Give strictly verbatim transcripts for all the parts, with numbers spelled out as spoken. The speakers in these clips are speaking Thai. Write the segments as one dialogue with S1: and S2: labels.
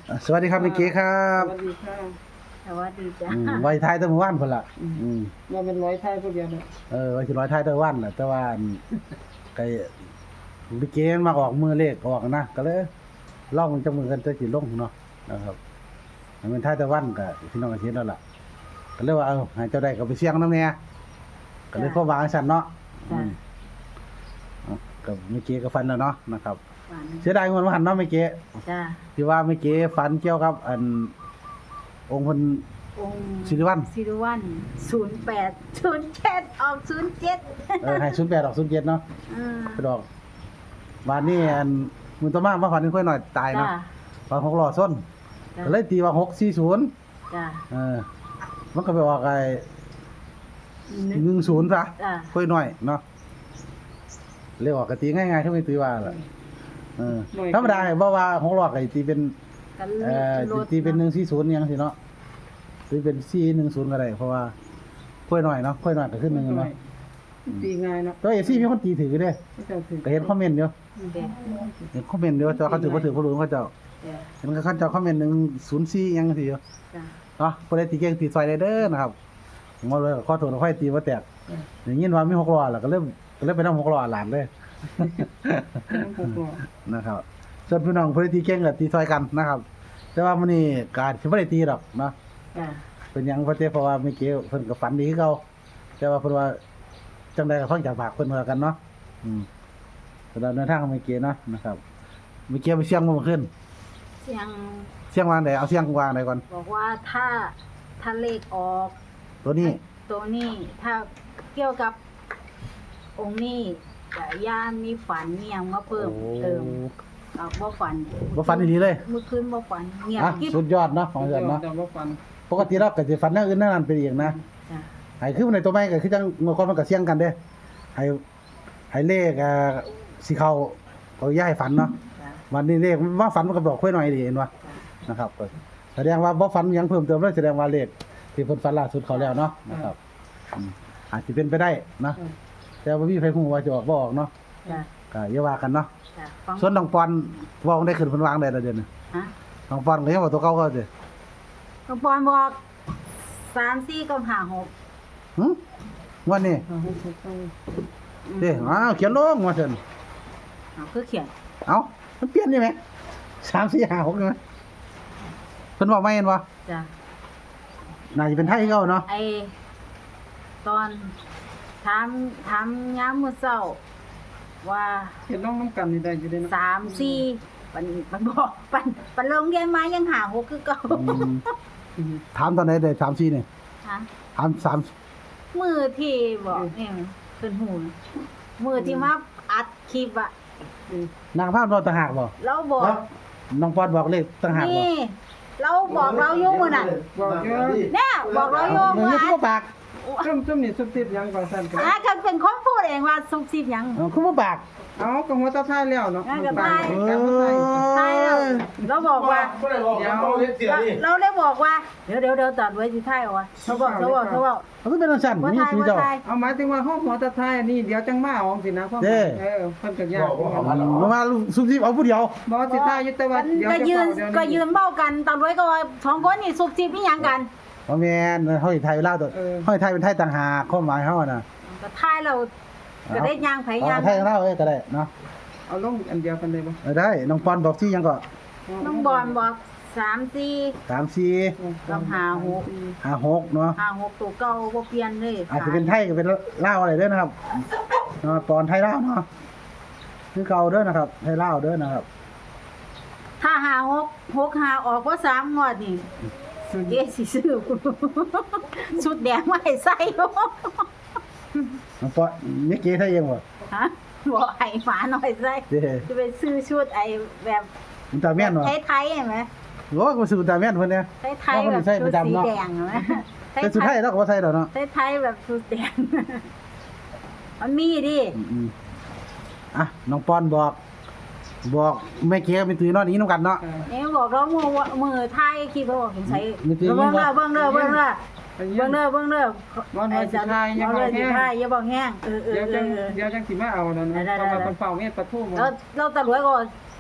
S1: สวัสดีครับเมื่อกี้ครั
S2: ส
S1: บ
S2: วัสดีค่ะ
S3: สวัสดีจ้ะ
S1: อืมไว้ท้ายแตะมื้อวานพุ่นล่ะอืม
S2: ว่าเป็นร้อยไทยพวกเดียวเลย
S1: เออไว้สิร้อยท้ายแตะวันล่ะแต่ว่าอันไก่เมื่อกี้มันมาออกมือเลขออกนะก็เลยลองมันจักมือกันจะสิลงเนาะนะครับให้มันท้ายแตะวันก็พี่น้องก็เห็นแล้วล่ะก็เลยว่าเออให้เจ้าได้ก็ไปเสี่ยงนำแหน่ก็เลยพอวางซั่นเนาะอืมเอาก็เมื่อกี้ก็ฟันแล้วเนาะนะครับ
S3: ฝัน
S1: เสียดายเงินว่าหันเนาะเมื่อกี้
S3: จ้ะ
S1: ที่ว่าเมื่อกี้ฝันเกี่ยวกับ อันองค์เพิ่น
S3: องค์
S1: สิริวัลย์
S3: สิริวัลย์ศูนย์แปดศูนย์เจ็ดออกศูนย์เจ็ด
S1: เออให้ศูนย์แปดออกศูนย์เจ็ดเนาะ
S3: อืม
S1: ไปดอกบ้านนี้อันมือต่อมามาฝันค่อยหน่อยตาย
S3: จ้ะ
S1: เนาะฝันหกล้อส้น
S3: จ้ะ
S1: ก็เลยตีว่าหกสี่ศูนย์
S3: จ้ะ
S1: เออมันก็ไปออกไอ้หนึ่งศูนย์ซะ
S3: จ้ะ
S1: ค่อยหน่อยเนาะเรียกว่ากตีง่ายๆถ้าไม่ตีว่าล่ะเออธรรมดาให้บ่ว่าหกล้อก็ตีเป็น
S3: กัน
S1: เอ่อ
S3: รถ
S1: ตีเป็นหนึ่งสี่ศูนย์ยังสิเนาะตีเป็นสี่หนึ่งศูนย์ก็ได้เพราะว่าค่อยหน่อยเนาะค่อยหน่อยก็ขึ้นหนึ่งเนาะ
S2: ตีง่ายเนาะ
S1: ตัวเอซี่มีคนตีถือเด้
S2: ไม่ต้องถือ
S1: ก็เห็นคอมเมนต์อยู่
S3: เด็ก
S1: เห็นคอมเมนต์อยู่ว่าเจ้าเขาถือบ่ถือบ่รู้เขาเจ้า
S3: จ้ะ
S1: เห็นเขาเจ้าคอมเมนต์หนึ่งศูนย์สี่ยังสิอยู่
S3: จ้ะ
S1: เนาะผู้ใดตีเก่งตีซอยได้เด้อนะครับผมว่าเลยขอโทษขอให้ตีบ่แตกอย่างงี้ว่ามีหกล้อแล้วก็เริ่มก็เริ่มไปนำหกล้อหลานเลย
S2: ต้องผูกหัว
S1: นะครับส่วนพี่น้องผู้ใดตีเก่งก็ตีซอยกันนะครับ แต่ว่ามื้อนี้การสิบ่ได้ตีดอกเนาะ
S3: จ้ะ
S1: เป็นหยังเพราะแต่เพราะว่าเมื่อกี้เพิ่นก็ฝันดีคือเก่าแต่ว่าเพิ่นว่าจังไดก็ฟังจากปากเพิ่นว่ากันเนาะอืมสำหรับเดินทางของเมื่อกี้เนาะนะครับเมื่อกี้ไปเสี่ยงบ่ขึ้น
S3: เสียง
S1: เสี่ยงวางใดเอาเสี่ยงวางใดก่อน
S3: บอกว่าถ้าถ้าเลขออก
S1: ตัวนี้
S3: ตัวนี้ถ้าเกี่ยวกับองค์นี้จะย่านมีฝันมีหยังมาเพิ่มเติมเอาบ่ฝัน
S1: บ่ฝันดีเลย
S3: เมื่อคืนบ่ฝันเงียบ
S1: อ่ะ
S3: กิ๊บ
S1: สุดยอดเนาะของเดือนเนาะ
S2: แต่ว่าฟัน
S1: ปกติเราก็สิฝันแนวอื่นแนวนั้นไปอีกนะ
S3: จ้ะ
S1: ให้คือในตัวใหม่ก็คือจังเมื่อก่อนมันก็เสี่ยงกันเด้ให้ให้เลขอ่าสิเข้าเอาย้ายฝันเนาะ
S3: จ้ะ
S1: วันนี้เลขว่าฝันมันก็บอกค่อยหน่อยดีเห็นบ่
S3: จ้ะ
S1: นะครับก็แสดงว่าบ่ฝันหยังเพิ่มเติมเลยแสดงว่าเลขที่เพิ่นฝันล่าสุดเขาแล้วเนาะนะครับอืมอาจสิเป็นไปได้นะแต่ว่าบ่มีใครฮู้ว่าจะออกบ่ออกเนาะ
S3: จ้ะ
S1: ก็อย่าว่ากันเนาะ
S3: จ้ะฟัง
S1: ส่วนน้องปอนเว้าได้ขึ้นเพิ่นวางได้แล้วเดี๋ยวนี้
S3: ฮะ
S1: น้องปอนก็ยังว่าตัวเก่าเขาเด้
S3: น้องปอนบอกสามสี่กับห้าหก
S1: หึวันนี้
S2: เอาให้ถูกต้อง
S1: เด้อ้าวเขียนลงว่าซั่น
S3: เอาคือเขียน
S1: เอ้ามันเปลี่ยนนี่แหมสาม สี่ ห้า หกนี่แหมเพิ่นเว้าใหม่เห็นบ่
S3: จ้ะ
S1: น่าจะเป็นไทยคือเก่าเนาะ
S3: ไอตอนถามถามยามมื้อเช้าว่า
S2: เห็นน้องน้ำกันนี่ได้อยู่ได้เนาะ
S3: สามสี่มันมันบอกปันปันลงเรียนมายังหาหกคือเก่า
S1: อืมถามตอนไหนได้สาม สี่นี่
S3: ฮะ
S1: ถามสาม
S3: มือที่บอกเนี่ยขึ้นหูมือที่มาอัดคลิปอะ
S1: นางภาพเราต่างหากบ่
S3: เราบอก
S1: น้องปอนบอกเลขต่างหากบ่
S3: นี่เราบอกเราอยู่มือนั่น
S2: บอกเยอะ
S3: เนี่ยบอกเราอยู่
S1: มื
S3: มื
S1: อ
S3: อ
S1: นี่
S3: อั
S1: คือ
S3: ด
S1: บ่ปาก
S2: จุ่มจุ่มนี่ซุบซิบยังก่อนสั่นกัน
S3: อ่ะก็เป็นคนพูดเองว่าซุบซิบหยัง
S1: เออคือบ่ปาก
S2: เอากระหัวตาท้ายแล้วเนาะ
S3: งั้นก็ได้
S2: การมาใส่
S3: ใช่แล้วเราบอกว่า
S4: บ่ได้บอกเขาเฮ็ดเสีย
S3: เรา
S4: นี่
S3: เราได้บอกว่าเดี๋ยวเดี๋ยวเดี๋ยวตัดไว้ที่ท้ายเอาวะเขาบอกเขาบอกเขาบอก
S1: มันก็เป็นจังซั่น
S3: ว่า
S1: นี่
S3: ท้าย
S1: คือ
S3: ว่า
S1: เจ้า
S3: ท้าย
S2: เอาหมายถึงว่าห้องหัวตาท้ายนี่เดี๋ยวจังมาเอาสินะพ่อ
S1: เด้
S2: เออเพิ่นก็ยาก
S1: บ่มาซุบซิบเอาผู้เดียว
S2: บ่สิท้ายอยู่แต่ว่า
S3: มัน
S2: เดี๋ยว
S3: ก็
S2: จะ
S3: ยืน
S2: เดี๋ยว
S3: ก็ยืนเบ้ากันตอนไว้ก็ว่าสองคนนี่ซุบซิบนี่หยังกัน
S1: บ่แม่นเฮาสิไทยลาวตัวเฮาสิไทยเป็นไทยต่างหากความหมายเฮาน่ะ
S3: ก็ท้ายเราก็ได้ย่างไผ
S1: เอา
S3: ย่าง
S1: ไทยลาวเอ้ยก็ได้เนาะ
S2: เอาลงอันเดียวกันเลยบ่
S1: เออได้น้องปอนบอกสิหยังก็
S3: น้องบอลบอกสามสี่
S1: สาม สี่
S3: กับห้าหก
S1: ห้า หกเนาะ
S3: ห้าหกตัวเก่าบ่เปลี่ยนเลย
S1: อาจจะเป็นไทยก็เป็นลาวอะไรเด้อนะครับเนาะปอนไทยลาวเนาะคือเก่าเด้อนะครับไทยลาวเด้อนะครับ
S3: ถ้าห้าหกหกห้าออกว่าสามงวดนี่เอ๊ะสิซื้อ ชุดแดงมาให้ใส่อยู่
S1: น้องปอนนี่เก๋ไทยเองบ่
S3: ฮะบอกให้หมาหน่อยใส่
S1: เด้
S3: จะไปซื้อชุดไอ้แบบ
S1: อุลตร้าแม่นบ่
S3: ไทยๆเห็นไหม
S1: โอ้ก็ซื้ออุลตร้าแม่นเพิ่นเนี่ย
S3: ไทยๆแบบชุดสีแดงเห็นไหม
S1: แต่สุดท้ายเราก็บ่ใส่ดอกเนาะ
S3: ไทยๆแบบชุดแดง มันมีดิ
S1: อืมๆอ่ะน้องปอนบอก บอกแม่เก๋เป็นตื้อนอนนี้นำกันเนาะ
S3: นี่บอกเรามือมือไทยคิดว่าบอกเห็นใส่
S1: มีตีมี
S3: เบิ่ง
S1: บ่
S3: เด้อเบิ่งเด้อเบิ่งเด้อ
S2: เบิ่
S3: เบิ่ง
S2: ง
S3: เด้อเบิ่งเด้อ
S2: วันไหนสิทายยัง
S3: เอา
S2: บ่
S3: เลยสิ
S2: แห้ง
S3: ทายอย่าบอกแห้งเออเออ
S2: เดี๋ยว
S3: เอ
S2: จัง
S3: อ
S2: เดี๋ยวจังสิมาเอานั่น
S3: ได้
S2: นะ
S3: ๆๆ
S2: เพราะว่าเพิ่นเฝ้าเมียปลาทูบ่
S3: แล้วเราตำรวจก็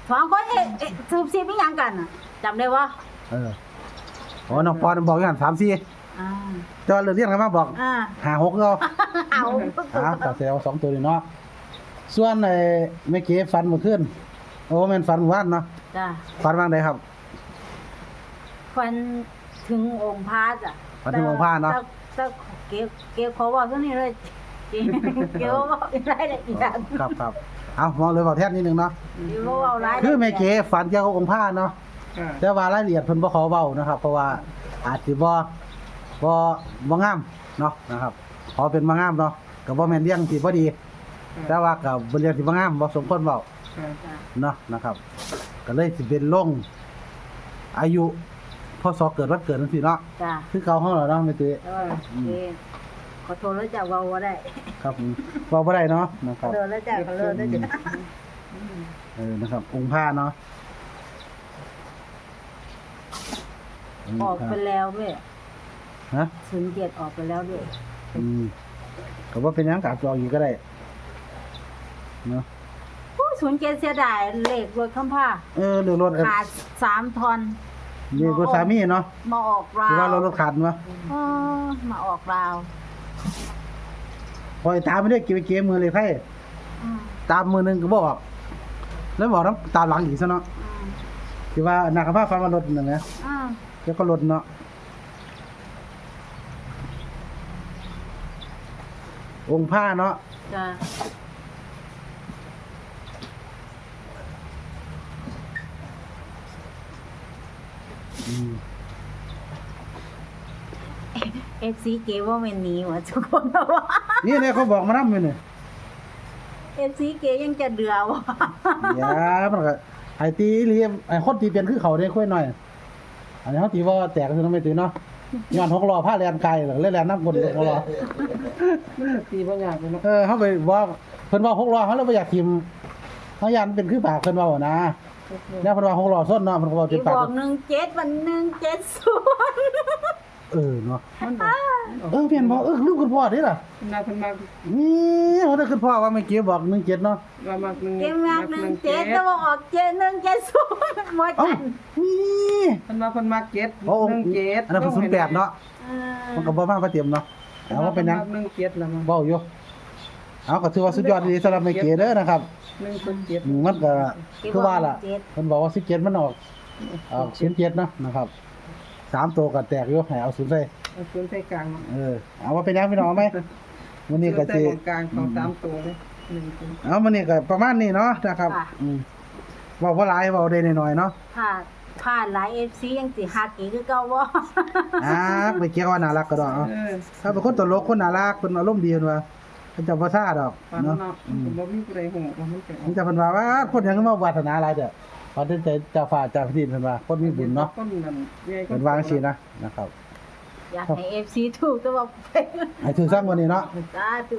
S3: สองคนเอ๊ะเอ๊ะสืบซีบอีหยังกันน่ะจำได้บ่
S1: เออโอ้น้องปอนบอกอย่างสามสี่
S3: อ่า
S1: จอเรื่องเรียนกันมาบอก
S3: อ่า
S1: หาหกเอา
S3: เอา
S1: อ่าตัดเสียเอาสองตัวนี่เนาะส่วนไอ้เมื่อกี้ฟันเมื่อคืนโอ้แม่นฟันเมื่อวานเนาะ
S3: จ้ะ
S1: ฟันว่างใดครับ
S3: ฟันถึงองค์พระจ้ะ
S1: ฟันถึงองค์พระเนาะ
S3: แต่แต่เก็บเก็บเขาบอกเท่านี้เลยจริงเก็บบอกรายละเอียด
S1: ครับครับเอามองเลยบอกแทนนิดนึงเนาะ
S3: เก็บบอกรายละเอียด
S1: คือแม่เก๋ฝันเกี่ยวกับองค์พระเนาะ
S2: ค่ะ
S1: แต่ว่ารายละเอียดเพิ่นบ่ขอเว้านะครับ เพราะว่าอาจสิบ่บ่บ่งามเนาะนะครับขอเป็นบ่งามเนาะก็บ่แม่นเรื่องที่บ่ดี แต่ว่าก็บ่เรื่องที่บ่งามบ่สมควรเว้า
S2: ค่ะ
S3: จ้ะ
S1: เนาะนะครับ ก็เลยสิเป็นลงอายุพศเกิดวันเกิดจังซี่เนาะ
S3: จ้ะ
S1: คือเก่าเฮาแล้วเนาะแม่ตุ้ย
S3: เออโอเคขอโทษแล้วจ้ะเว่าบ่ได้
S1: ครับผมเว้าบ่ได้เนาะนะค
S3: ขอ
S1: รับ
S3: โทษแล้วจ้ะขอโทษแล้วจ้ะ
S1: เออนะครับ องค์พระเนาะ
S3: ออกไปแล้วด้วย
S1: ฮะ
S3: ศูนย์เจ็ดออกไปแล้วด้วย
S1: อืมก็บ่เป็นหยังก็อาจจะออกอีกก็ได้เนาะ
S3: โอ้ศูนย์เจ็ดเสียดายเลขรถคำผ้า
S1: เออเรื่องรถเออ
S3: ขาดสามทอน
S1: นี่รถสามีเนาะ
S3: มาออกรา
S1: คือว่าว เรารถขาดมั้ย
S3: เออมาออกราว
S1: พอยตามไม่ได้เก็บเกมมือเลยไพ่
S3: อืม
S1: ตามมือหนึงก็บ่ออกแล้วบอกต้องตามหลังอีกซะเนาะ
S3: อืม
S1: คือว่านักภาพฟังว่ารถนั่นนะ
S3: อืม
S1: แล้วก็รถเนาะองค์ผ้าเนาะ
S3: จ้ะ
S1: อืม
S3: เอฟซีเกว่าแม่นหนีว่ะทุกคนว่า
S1: นี่เนี่ยเขาบอกมานำอยู่นี่
S3: เอฟซีเกยังจะเดือว่ะ
S1: อย่ามันก็ไอ้ตีอีหลีไอ้คนตีเปลี่ยนคือเขาได้ค่อยหน่อย อันนี้เขาตีว่าแตกคือต้องไม่ตีเนาะย้อนหกล้อผ้าแลนไกลหรือแลนน้ำกลหกล้อ
S2: มันก็ตีบ่ยากเลยเนาะ
S1: เออเขาไปว่าเพิ่นว่าหกล้อเขาเลยบ่อยากทิมเขายันเป็นคือปากเพิ่นว่าบ่นะแล้วเพิ่นว่าหกล้อส้นเนาะเพิ่นก็บอก
S3: ที่
S1: เป็น
S3: บ
S1: ปาก
S3: อกหนึ่งเจ็ดวันหนึ่งเจ็ดศูนย์
S1: เออเนาะ
S2: มันบอกมันออก
S1: เออเพียนบอกเออลูกคุณพ่อเด้ล่ะ
S2: เพิ่นมาเพิ่นมา
S1: นี่เขาได้คุณพ่อว่าเมื่อกี้บอกหนึ่งเจ็ดเนาะ
S2: ว่ามักหนึ่ง
S3: เกมงานหนึ่งเจ็ดแต่ว่าออกเจ็ดหนึ่งเจ็ดศูนย์หมด
S1: เอ้า
S3: กัน
S1: นี่
S2: เพิ่นมาเพิ่นมาเจ็ด
S1: โอ้
S2: หนึ่งเจ็ด
S1: อันนั้นเพิ่นศูนย์แปดเนาะ
S3: เออ
S1: มันก็บ่มาประเตรียมเนาะเอาว่าเป็นหยัง
S2: หนึ่งเจ็ดละมั้ง
S1: เว้าอยู่เอาก็ถือว่าสุดยอดดีสำหรับเมื่อกี้เด้อนะครับ
S2: หนึ่งศูนย์เจ็ด
S1: อืมมันก็คือว่าล่ะเพิ่นบอกว่าสิบเจ็ดมันออกออกศูนย์เจ็ดเนาะนะครับสามตัวก็แตกอยู่ให้เอาศูนย์ใส่
S2: เอาศูนย์ใส่กลาง
S1: เออเอาว่าเป็นหยังพี่น้องเอาไหมวันนี้ก็
S2: ใส่
S1: สิ
S2: ตรงกลางของสามตัวเลยหนึ่งศูนย์
S1: เอาวันนี้ก็ประมาณนี้เนาะนะครับอืมเว้าบ่หลายเว้าได้น้อยๆเนาะ
S3: ผ่านผ่านหลายเอฟซียังสิฮักอีกคือเก่าบ่
S1: อ่าไปเกี่ยวว่าน่ารักก็ดอกเอา
S2: เออ
S1: ถ้าเป็นคนตลกคนน่ารักคนอารมณ์ดีเพิ่นว่าเพิ่นจะบ่ซ่าดอก
S2: ฟัน
S1: เนาะ
S2: เนาะ
S1: อืม
S2: บ่มีผู้ใดฮู้ว่ามันเป็น
S1: มันจะเพิ่นว่าว่าคนหยังมาวาสนาหลายเด้อพอถึงใจเจ้าฟ้าเจ้าแผ่นดินเพิ่นว่าคนมีบุญเนาะ
S2: คนนั้นใหญ่
S1: เพิ่นวาจังซี่นะนะครับ
S3: อยากให้เอฟซีถูกแต่ว่า
S1: ให้ถือซังวันนี้เนาะ
S3: สาธุ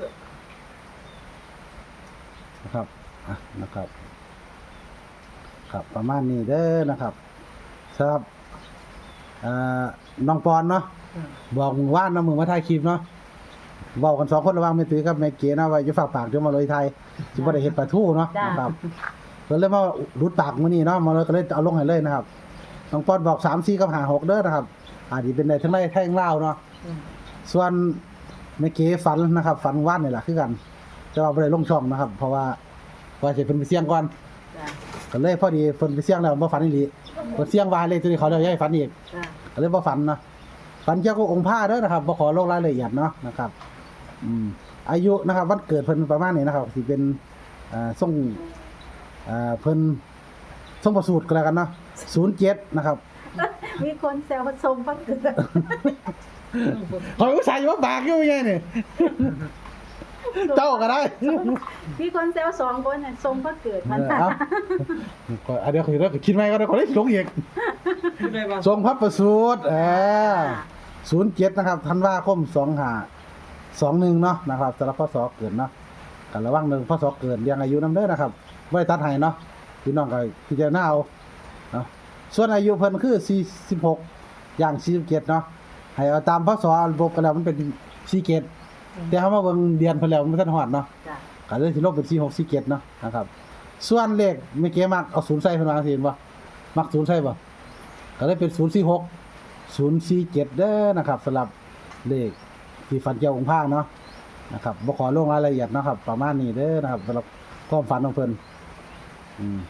S1: นะครับอ่ะนะครับ ครับประมาณนี้เด้อนะครับสำหรับเอ่อน้องปอนเนาะ บอกมึงว่าน้ำมือมาถ่ายคลิปเนาะเว้ากันสองคนระหว่างแม่ตุ้ยกับแม่เก๋เนาะว่าอย่าฝากปากเดี๋ยวมาเลยไทยสิบ่ได้เฮ็ดปลาทูเนาะนะครับเพิ่นเลยมารุดปากมื้อนี้เนาะมาเลยก็เลยเอาลงให้เลยนะครับน้องปอนบอกสาม สี่กับห้า หกเด้อนะครับอาจสิเป็นได้ทั้งไร่ทั้งลาวเนาะส่วนแม่เก๋ฝันนะครับ ฝันว่านนี่ล่ะคือกันแต่ว่าบ่ได้ลงช่องนะครับ เพราะว่าว่าสิเพิ่นไปเสี่ยงก่อน
S3: จ้ะ
S1: ก็เลยพอดีเพิ่นไปเสี่ยงแล้วบ่ฝันอีหลีเพิ่นเสี่ยงว่าเลยตัวนี้เขาเลยให้ฝันอีก
S3: จ้ะ
S1: ก็เลยบ่ฝันเนาะฝันเกี่ยวกับองค์พระเด้อนะครับบ่ขอลงรายละเอียดเนาะนะครับ อืมอายุนะครับวันเกิดเพิ่นประมาณนี้นะครับสิเป็นอ่าทรงอ่าเพิ่นทรงประสูติก็แล้วกันเนาะศูนย์เจ็ดนะครับ
S3: มีคนแซวชมพักเกิด
S1: ขอยอุตส่าห์อยู่ว่าปากอยู่ไงนี่ เจ้าก็ได้
S3: มีคนแซวสองคนน่ะชมพักเกิด
S1: เอ
S3: มัน
S1: อเอาก็อันเดียวคือเราคิดไหมก็ได้คนได้ลงอีก
S2: ผู้ใดว่า
S1: ทรงพระประสูติเออศูนย์เจ็ดนะครับธันวาคมสองห้าสองหนึ่งเนาะนะครับสำหรับพศเกิดเนาะกันระวังหนึ่งพศเกิดเรียงอายุนำเด้อนะครับบ่ได้ตัดให้เนาะพี่น้องก็พิจารณาเอาเนาะส่วนอายุเพิ่นคือสี่สิบหกอย่างสี่สิบเจ็ดเนาะให้เอาตามพศระบบกันแล้วมันเป็นสี่เจ็ดแต่เฮามาเบิ่งเดือนเพิ่นแล้วมันบ่ทันฮอดเนาะ
S3: จ้ะ
S1: ก็เลยสิลบเป็นสี่หกสี่เจ็ดเนาะนะครับส่วนเลขเมื่อกี้มักเอาศูนย์ใส่เพิ่นว่าจังซี่เห็นบ่มักศูนย์ใส่บ่ก็เลยเป็นศูนย์สี่หก ศูนย์สี่เจ็ดเด้อนะครับสำหรับเลขที่ฝันเกี่ยวองค์พระเนาะนะครับบ่ขอลงรายละเอียดนะครับ ประมาณนี้เด้อนะครับสำหรับความฝันของเพิ่นอืม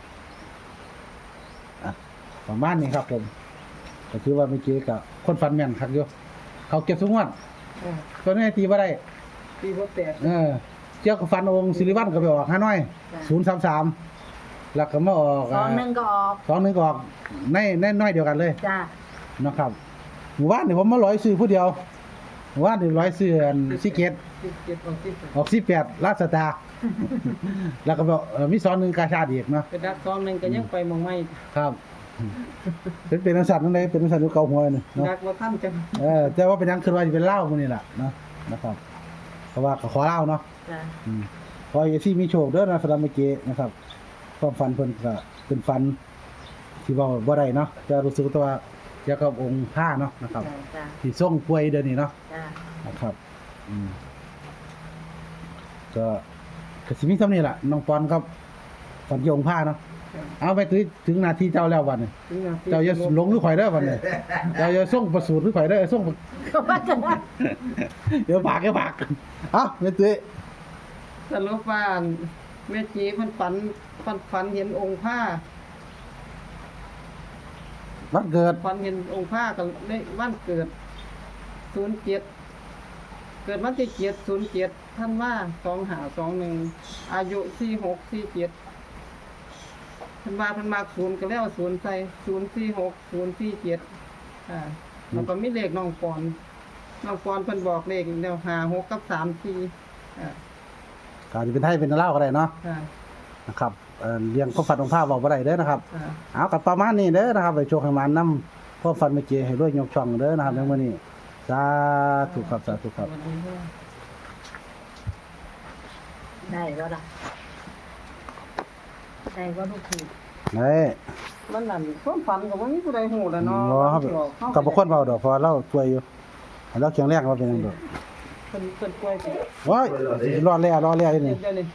S1: อ่ะประมาณนี้ครับผมก็ถือว่าเมื่อกี้ก็คนฝันแม่นคักอยู่เขาเก็บทุกงวด
S2: อ่า
S1: ตัวนี้ตีบ่ได้
S2: ตีบ่แตก
S1: เออเจ้าก็ฟันองค์สิริวัลก็ไปออกห้าน้อย
S3: จ้ะ
S1: ศูนย์สามสามแล้วก็มาออก
S3: สองหนึงก็ออก
S1: สองหนึ่งก็ออกในในน้อยเดียวกันเลย
S3: จ้า
S1: นะครับหมู่บ้านนี่ผมมาร้อยซื้อผู้เดียวหมู่บ้านนี่ร้อยซื้ออันสิเกต
S2: สิบเจ็ดออกสิบแปด
S1: ออกสิแปดลาดสตาร์ แล้วก็บอกเอ่อมีสอนหนึ่งกาชาดอีกเนาะ
S2: ไปดักซองหนึงก็ยังไปหมองไม่
S1: ครับเป็นเป็นนักสัตว์นั่นเลยเป็นนักสัตว์อยู่เกาหัวนี่เนาะ
S2: ดักบ่ทันจัง
S1: เออแต่ว่าเป็นหยังคือว่าจะเป็นเหล้าพวกนี้แหละเนาะนะครับเพราะว่าก็ขอเหล้าเนาะ
S3: จ้า
S1: อืมขอให้ที่มีโชคเด้อนะสำหรับเมื่อกี้นะครับความฝันเพิ่นก็เป็นฝันที่ว่าบ่ได้เนาะจะรู้สึกแต่ว่าเกี่ยวกับองค์พระเนาะนะครับ
S3: จ้าจ้า
S1: ที่ทรงป่วยเดี๋ยวนี้เนาะ
S3: จ้า
S1: นะครับ อืมก็ก็สิมีซ้ำนี่ล่ะน้องปอนครับฝันเกี่ยวกับองค์พระเนาะเอาไปถึงถึงนาทีเจ้าแล้ววันนี้
S2: ถึงหน้ที่
S1: เจ้าอย่าหลงหรือข่อยเด้อวันนี้เจ้าอย่าส่งประสูติหรือข่อยเด้อส่ง
S3: ก็ว่าจะ
S1: เดี๋ยวปากเดี๋ยวปากเอ้าแม่ตุ้ย
S2: สรุปว่าแม่จีมันฝันฝันฝันเห็นองค์ผ้า
S1: วันเกิด
S2: ฝันเห็นองค์ผ้ากับเลขวันเกิดศูนย์เจ็ดเกิดวันที่เจ็ดศูนย์เจ็ดท่านว่าสองหาสองหนึ่งอายุสี่หกสี่เจ็ดท่านว่าเพันมากศูนย์ก็แล้วศูนย์ใส่ศูนย์สี่หกศูนย์สี่เจ็ดอ่าแล้วก็มีเลขน้องปอนน้องปอนเพิ่นบอกเลขแนวหาหกกับสามสี่อ่า
S1: ก็จะเป็นไทยเป็นลาวก็ได้เนาะ
S2: อ่า
S1: นะครับเอ่อเลี้ยงความฝันของพระบอกบ่ได้เด้อนะครับ
S2: อ่า
S1: เอากับประมาณนี้เด้อนะครับไปโชคให้มันนำความฝันเมื่อกี้ให้รวยยกช่องเด้อนะครับในมื้อนี้สาธุครับสาธุครับ
S2: สวัสดีค่ะ
S3: ได้ก็ล่ะได้ก็ลูกผี
S1: เฮ้ย
S2: มันนั่นความฝันก็บ่มีผู้ใดฮู้แล้วเนาะ
S1: บ่ครับกับบ่คนเว้าดอกเพราะว่าเราป่วยอยู่ให้เราแข็งแรงว่าเป็นหยังดอก
S2: เพิ่นเพิ่นป่วยสิ
S1: โอ้ยรอดแล้วรอดแล้วอยู่นี่
S2: เดี๋ยวนี้